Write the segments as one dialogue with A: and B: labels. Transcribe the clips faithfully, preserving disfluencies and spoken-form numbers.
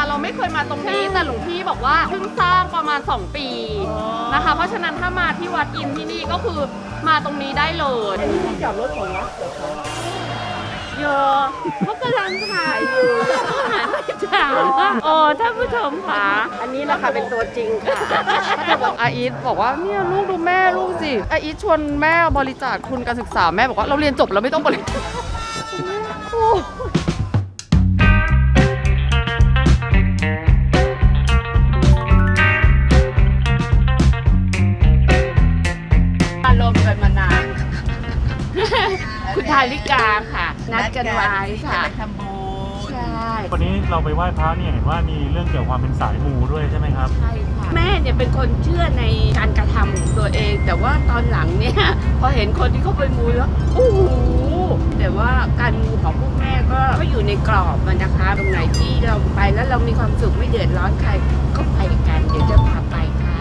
A: เราไม่เคยมาตรงนี้แต่หลวงพี่บอกว่าเพิ่งสร้างประมาณสองปีนะคะเพราะฉะนั้นถ้ามาที่วัดอินที่นี่ก็คือมาตรงนี้ได้เลย
B: อันนี้ที่จอดรถของวัดเหรอคะ
C: โยเขากำลังถ่ายอยู่หันไปถามว่าโอ้ท่านผู้ชมคะ
B: อันนี้นะคะเป็นตัวจริงค่ะ
A: อาอีทบอกว่าเนี่ยลูกดูแม่ลูกสิอาอีทชวนแม่บริจาคทุนการศึกษาแม่บอกว่าเราเรียนจบแล้วไม่ต้องบริจาค
C: อารมณ์กันมานานคุณทาริกาค่ะ นัดกันไว้ค่ะทำบุญใช่
D: วันนี้เราไปไหว้พระเนี่ยเห็นว่ามีเรื่องเกี่ยวกับความเป็นสายมูด้วยใช่ไหมครับ
C: ใช่ค่ะแม่เนี่ยเป็นคนเชื่อในการกระทำของตัวเอง แต่ว่าตอนหลังเนี่ยพอเห็นคนที่เขาไปมูแล้วโอ้โหแต่ว่าการมูของพวกแม่ก็ก็อยู่ในกรอบมันนะคะ ตรงไหนที่เราไปแล้วเรามีความสุขไม่เดือดร้อนใครก็ไปกันเดี๋ยวจะพาไปค่ะ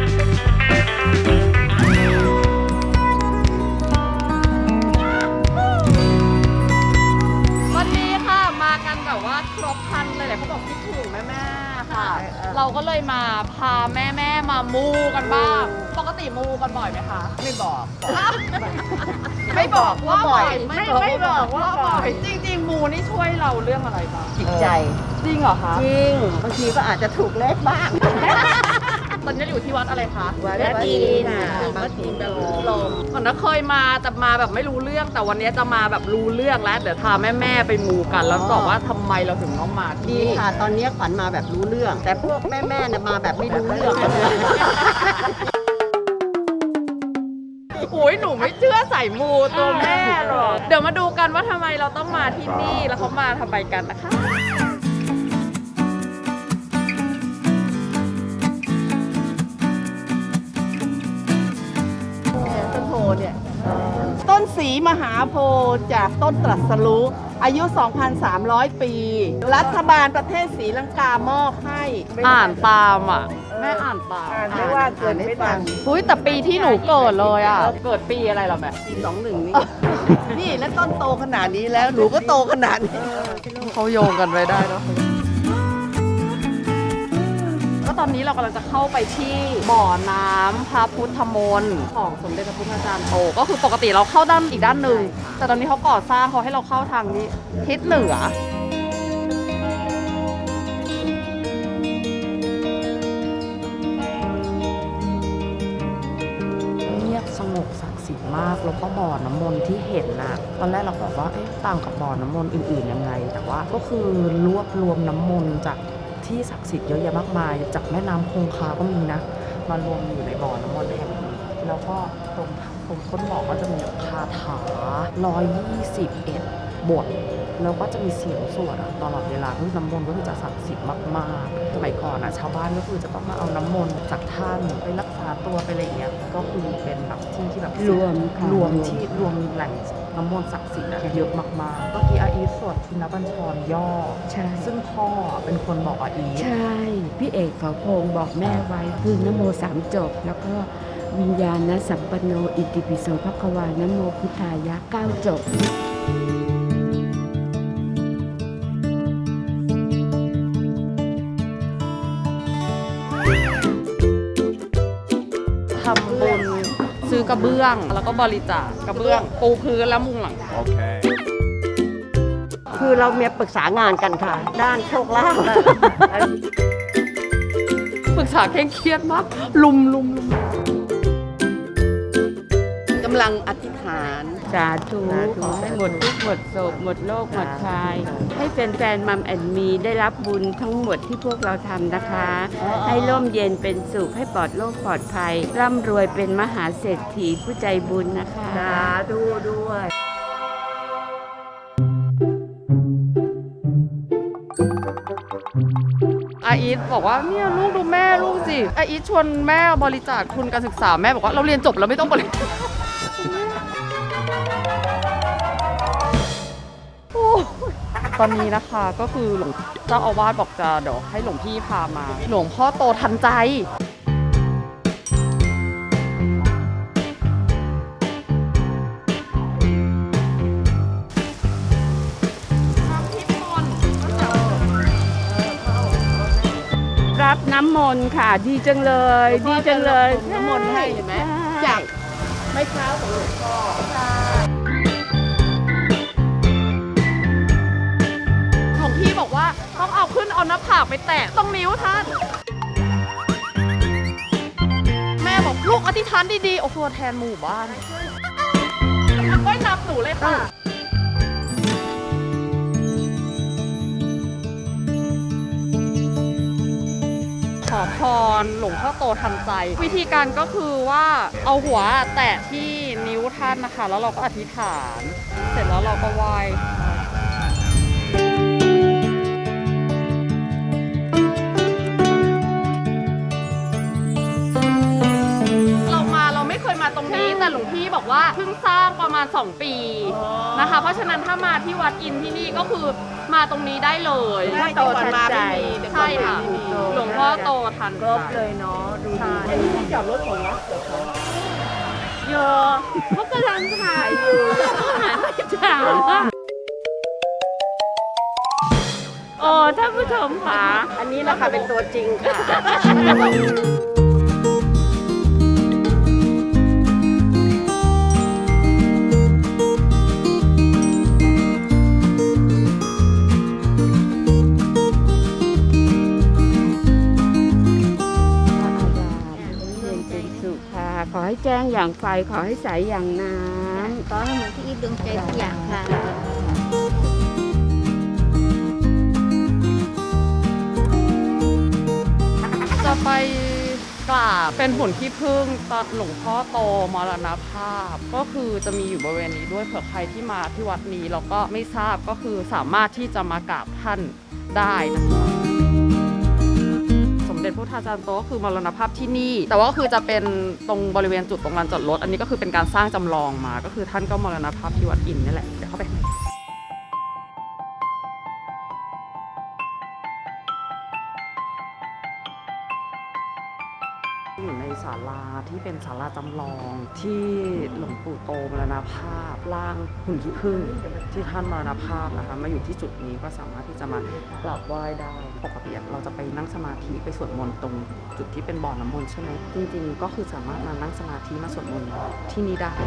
A: วันนี้ค่ะมากันแบบว่าครบครันเลยแหละเขาบอกคิดถึงแม่ๆค่ะ เราก็เลยมาพาแม่ๆมามูกันบ้างปกติมูกันบ่อยไหมคะ
B: ไม่บอก
A: ไม่บอกว่าบ่อย
B: ไม่ไม่บอกว่าบ่อย
A: จริงๆมูนี่ช่วยเราเรื่องอะไรบ้าง
B: จิตใจ
A: จริงเหรอคะ
B: จริง บางทีก็อาจจะถูกเลขบ้าง
A: ตอนนี้อยู่ที่วัดอะไรคะ
B: วัดอินทร์ค่ะ
A: วัดอินทร์แบบลมก่อนนะเคยมาแต่มาแบบไม่รู้เรื่องแต่วันนี้จะมาแบบรู้เรื่องแล้วเดี๋ยวพาแม่ๆไปมูกัน แล้วบอกว่าทำไมเราถึงต้องมาที่
B: ดี
A: นี่
B: ค่ะ ตอนนี้ขวัญมาแบบรู้เรื่อง แต่พวกแม่ๆเนี่ยมาแบบไม่รู้เรื่อง
A: โอ้ยหนูไม่เชื่อใส่มูตัวแม่หรอกเดี๋ยวมาดูกันว่าทำไมเราต้องมาที่นี่แล้วเขามาทำไมกันนะคะ
B: ต้นโพเนี่ยต้นศรีมหาโพธิ์จากต้นตรัสรู้อายุ สองพันสามร้อย ปี รัฐบาลประเทศศรีลังกามอบให้
A: อ่านตามอ่ะแม่อ่านตาม
B: อ่านไม่ว่าเกินไม่ทัน
A: อุ้ยแต่ปีที่หนูเกิดเลยอ่ะเกิดปีอะไรเหรอแม่
B: ปีสองหนึ่งนี่ นี่แล้วต้นโตขนาดนี้แล้ว หนูก็โตขนาดนี้
A: เขาโยงกันไว้ได้เนาะก็ตอนนี้เรากำลังจะเข้าไปที่บ่อน้ำพระพุทธมนต์ของสมเด็จพระพุทธจารย์โตก็คือปกติเราเข้าด้านอีกด้านหนึ่งแต่ตอนนี้เขาก่อสร้างเขาให้เราเข้าทางนี้ทิศเหนือเงียบสงบศักดิ์สิทธิ์มากแล้วก็บ่อน้ำมนต์ที่เห็นน่ะตอนแรกเราบอกว่าเอ๊ะต่างกับบ่อน้ำมนต์อื่นๆยังไงแต่ว่าก็คือรวบรวมน้ำมนต์จากที่ศักดิ์สิทธิ์เยอะแยะมากมายจากแม่น้ำคงคาก็มีนะมารวมอยู่ในบ่อน้ำมนต์แห่งนี้แล้วก็ตรงตรงต้นบ่อก็จะมีคาถาหนึ่งร้อยยี่สิบเอ็ดบทแล้วก็จะมีเสียงสวดอะตลอดเวลาคือน้ำมนต์ก็คือจะศักดิ์สิทธิ์มากๆสมัยก่อนอะชาวบ้านก็คือจะต้องมาเอาน้ำมนต์จากท่านไปรักษาตัวไปอะไรอย่างเงี้ยก็คือเป็นแบบที่ที่แบบ
C: รวมค่ะ
A: รวมที่รวมแหล่งน้ำมนต์ศักดิ์สิทธิ์อะเยอะมากๆเมื่อกี้อาอีทสวดชินบัญชรย่อ
C: ใช่
A: ซึ่งพ่อเป็นคนบอกอาอีท
C: ใช่ พี่เอกเขาพงบอกแม่ไว้คือนโมสามจบ แล้วก็วิญญาณนะสัมปโนอิติปิโสภควานโมพุทธายะเก้าจบ
A: ทำบุญซื้อกระเบื้องแล้วก็บริจาคกระเบื้องปูพื้นแล้วมุงหลัง
B: คือเราเมียปรึกษางานกันค่ะ ด้านโชคลาภ
A: ปรึกษาเคร่งเครียดมากลุมลุมลุม
B: กำลังอธิษฐาน
C: สาธุขอให้หมดทุกข์หมดโศกหมดโรคหมดภัยให้แฟนๆมัมแอนมีได้รับบุญทั้งหมดที่พวกเราทำนะคะ ให้ร่มเย็นเป็นสุขให้ปลอดโรคปลอดภัย ร่ำรวยเป็นมหาเศรษฐีผู้ใจบุญนะคะ
B: สาธุด้วย
A: อาอีทบอกว่าเนี่ยลูกดูแม่ลูกสิอาอีทชวนแม่บริจาคทุนการศึกษาแม่บอกว่าเราเรียนจบแล้วไม่ต้องบริจาคตอนนี้นะคะก็คือหลวงเจ้าอาวาสบอกจะเดี๋ยวให้หลวงพี่พามา หลวงพ่อโตทันใจทำพิธีมนต์
C: รับน้ำมนต์ค่ะ ดีจังเลย ดีจังเลย
B: น้ำมนต์ให้เห็นไหม
C: ใช่
B: จากไม้เท้าของหลวงพ่อของพี่บอกว่าต้องเอาขึ้นเอาหน้าผากไปแตะตรงนิ้วท่าน แม่บอกลูกอธิษฐานดีๆ โอ้โหแทนหมู่บ้านก้อยนับหนูเลยค่ะ ขอพรหลวงพ่อโตทันใจ วิธีการก็คือว่าเอาหัวแตะที่นิ้วท่านนะคะ แล้วเราก็อธิษฐาน เสร็จแล้วเราก็ไหว้ เรามาเราไม่เคยมาตรงนี้แต่หลวงพี่บอกว่าเพิ่งสร้างประมาณสองปีนะคะ เพราะฉะนั้นถ้ามาที่วัดอินที่นี่ก็คือมาตรงนี้ได้เลย
C: ได้โตทันใจ
B: ใช่ค่ะ
C: หลวงพ่อโตทัน
B: ครบเลยเนาะดูดี
C: ใช่
B: อันนี้ที่จอดรถของวัดเหรอคะ
C: โยเขากำลังถ่ายอยู่เขาหันไปถามว่าโอ้ท่านผู้ชมค่ะ
B: อันนี้แหละค่ะเป็นตัวจริงค่ะ
C: เย็นเป็นสุขค่ะ ขอให้แจ้งอย่างไฟ ขอให้ใสอย่างน้
E: ขอให้เหมือนที่ดวงใจทุกอย่างค่ะ
B: จะไปกราบเป็นหุ่นขี้ผึ้งตอนหลวงพ่อโตมรณภาพ ก็คือจะมีอยู่บริเวณนี้ด้วยเผื่อใครที่มาที่วัดนี้แล้วก็ไม่ทราบก็คือสามารถที่จะมากราบท่านได้นะคะสมเด็จพระพุทธาจารย์โตก็คือมรณภาพที่นี่ แต่ว่าก็คือจะเป็นตรงบริเวณจุดตรงลานจอดรถอันนี้ก็คือเป็นการสร้างจำลองมา ก็คือท่านก็มรณภาพที่วัดอินนี่แหละเดี๋ยวเข้าไปอยู่ในศาลาที่เป็นศาลาจำลองที่หลวงปู่โตมรณภาพร่างหุ่นขี้ผึ้งที่ท่านมรณภาพนะคะมาอยู่ที่จุดนี้ก็สามารถที่จะมากราบไหว้ได้ปกติเราจะไปนั่งสมาธิไปสวดมนต์ตรงจุดที่เป็นบ่อน้ำมนต์ใช่ไหมจริงๆก็คือสามารถมานั่งสมาธิมาสวดมนต์ที่นี่ได้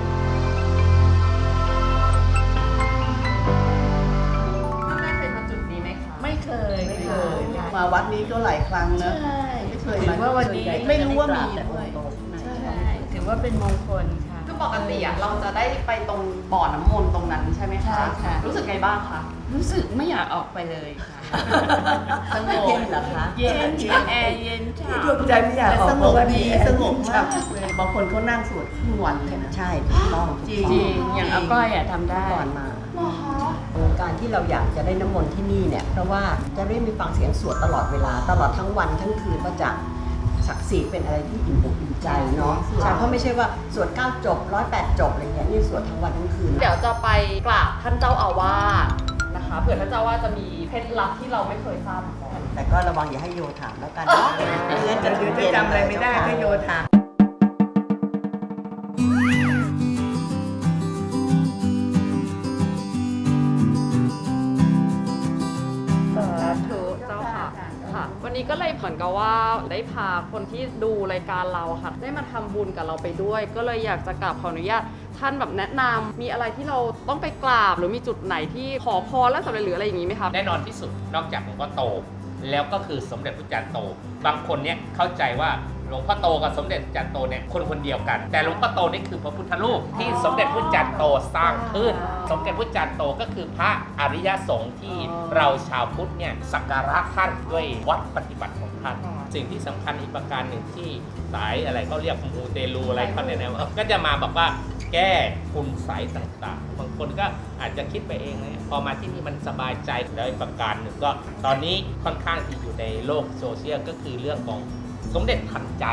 B: ท่านได้เคยมาจุดนี้ไหมคะ
C: ำไม่เคย
B: ไม่เคย
F: มาวัดนี้ก็หลายครั้งนะ
C: ใช่
F: ไม่เคย
C: ถื
F: มา
C: อว่าวันนี้
F: ไม่รู้ว่ามีด้วย
C: ใช่ถือว่าเป็นมงคลค่ะ
B: คือปกติอะเราจะได้ไปตรงบ่อน้ำมนต์ตรงนั้นใช่ไหมคะ
C: ใช่ค่ะ
B: รู้สึกไงบ้างคะ
C: รู้สึกไม่อยากออกไปเลยค่ะ
F: สงบเย็นเหรอคะ
C: เย็นแอร์เย็นฉ่ำ
F: ดวงใจไม่อยากออก
B: สงบดีสงบ
F: ค
B: มา
F: รั
B: ก
F: บ
B: เลยบางคนเขานั่งสวดครึ่งวันเลยนะ
F: ใช่ถูกต้อง
C: จริงๆอย่างอาก้อยอะทำได้
F: ก่อนมาการที่เราอยากจะได้น้ำมนต์ที่นี่เนี่ยเพราะว่าจะได้มีฟังเสียงสวดตลอดเวลาตลอดทั้งวันทั้งคืนก็จะศักดิ์สิทธิ์เป็นอะไรที่อิ่มอกอิ่มใจเนาะใช่เพราะไม่ใช่ว่าสวดเก้าจบร้อยแปดจบอะไรเงี้ยนี่สวดทั้งวันทั้งคืน
B: เดี๋ยวจะไปกราบท่านเจ้าอาวาสนะคะเผื่อท่านเจ้าอาวาสจะมีเคล็ดลับที่เราไม่เคยทราบมาก่อน
F: แต่ก็ระวังอย่าให้โยถามแล้วกันนะเงินจะ
G: เดี๋ยวจะจำอะไรไม่ได้ก็โยธา
B: สาธุเจ้าค่ะค่ะ วันนี้ก็เลยเหมือนกับว่าได้พาคนที่ดูรายการเราค่ะ ได้มาทำบุญกับเราไปด้วย ก็เลยอยากจะกราบขออนุญาตท่านแบบแนะนำมีอะไรที่เราต้องไปกราบหรือมีจุดไหนที่ขอพรแล้วสำเร็จหรืออะไรอย่างนี้ไหมคะ
H: แน่นอนที่สุดนอกจากหลวงพ่อโต แล้วก็คือสมเด็จพระจันทร์โต บางคนเนี่ยเข้าใจว่าหลวงพ่อโตกับสมเด็จพระจันทร์โตเนี่ยคนคนเดียวกัน แต่หลวงพ่อโตนี่คือพระพุทธรูปที่สมเด็จพระจันทร์โตสร้างขึ้น สมเด็จพระจันทร์โตก็คือพระอริยสงฆ์ที่เราชาวพุทธเนี่ยสักการะท่านด้วยวัดปฏิบัติของท่านสิ่งที่สำคัญอีกประการหนึ่งที่สายอะไรเขาเรียกมูเตลูอะไรเขาเนี่ยนะก็จะมาบอกว่าแก้คุณไสยต่างๆ บางคนก็อาจจะคิดไปเองนะพอมาที่นี่มันสบายใจแล้วอีกประการหนึ่งก็ตอนนี้ค่อนข้างที่อยู่ในโลกโซเชียลก็คือเรื่องของสมเด็จทันใจ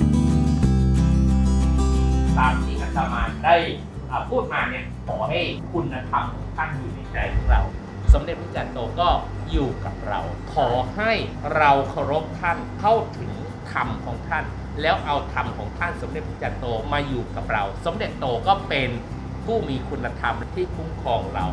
H: ตามที่อาตมาได้อ่าพูดมาเนี่ยขอให้คุณธรรมของท่านอยู่ในใจของเรา สมเด็จพระจันทร์โตก็อยู่กับเรา ขอให้เราเคารพท่านเข้าถึงธรรมของท่าน แล้วเอาธรรมของท่านสมเด็จพระจันทร์โตมาอยู่กับเรา สมเด็จโตก็เป็นผู้มีคุณธรรมที่คุ้มครองเรา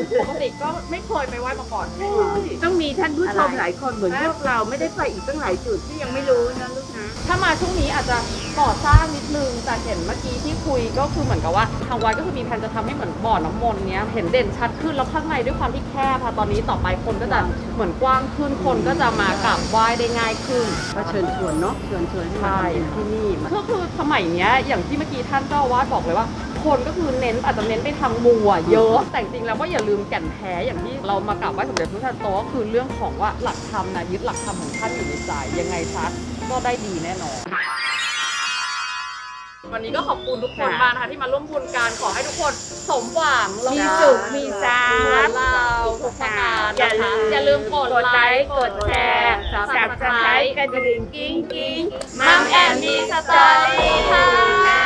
B: ปกติก็ไม่เคยไปไหว้มาก่อน
C: ต้องมีท่านผู้ชมหลายคนเหมือนพวกเราไม่ได้ไปอีกตั้งหลายจุดที่ยังไม่รู้นะลูกนะ
B: ถ้ามาช่วงนี้อาจจะก่อสร้างนิดนึงแต่เห็นเมื่อกี้ที่คุยก็คือเหมือนกับว่าทางวัดก็คือมีแผนจะทำให้เหมือนบ่อน้ำมนต์เนี้ยเห็นเด่นชัดขึ้นแล้วข้างในด้วยความที่แคบค่ะตอนนี้ต่อไปคนก็จะเหมือนกว้างขึ้นคนก็จะมากราบไหว้ได้ง่ายขึ้น
C: ก็เชิญชวนเนาะเชิญชวนให้มา
B: ใช่
C: ทำที่นี่มา
B: ก็คือสมัยเนี้ยอย่างที่เมื่อกี้ท่านเจ้าอาวาสบอกเลยว่า คนก็คือเน้นอาจจะเน้นไปทางมัวเยอะแต่จริงๆแล้วก็อย่าลืมแก่นแท้อย่างที่เรามากราบไหว้สมเด็จพระพุทธโตก็คือเรื่องของว่าหลักธรรมนะยึดหลักธรรมของท่านอยู่ในใจยังไงซักก็ได้ดีแน่นอน วันนี้ก็ขอบคุณทุกคนมากนะคะที่มาร่วมบุญกันขอให้ทุกคนสมหวังแล้ว
C: มี
B: ก็
C: สุขมีทรั
B: เหมือน
C: พย์
B: เราทุกประการ
C: อย่า
B: นะคะ
C: ลืม
B: อย่าลืมกด
C: กด
B: ไล
C: ไลค์
B: ค์
C: กดแชร์สับสไครต์กระดิ่งกิ้งกิ้งมัมแอนมีสตอรี่ค่ะ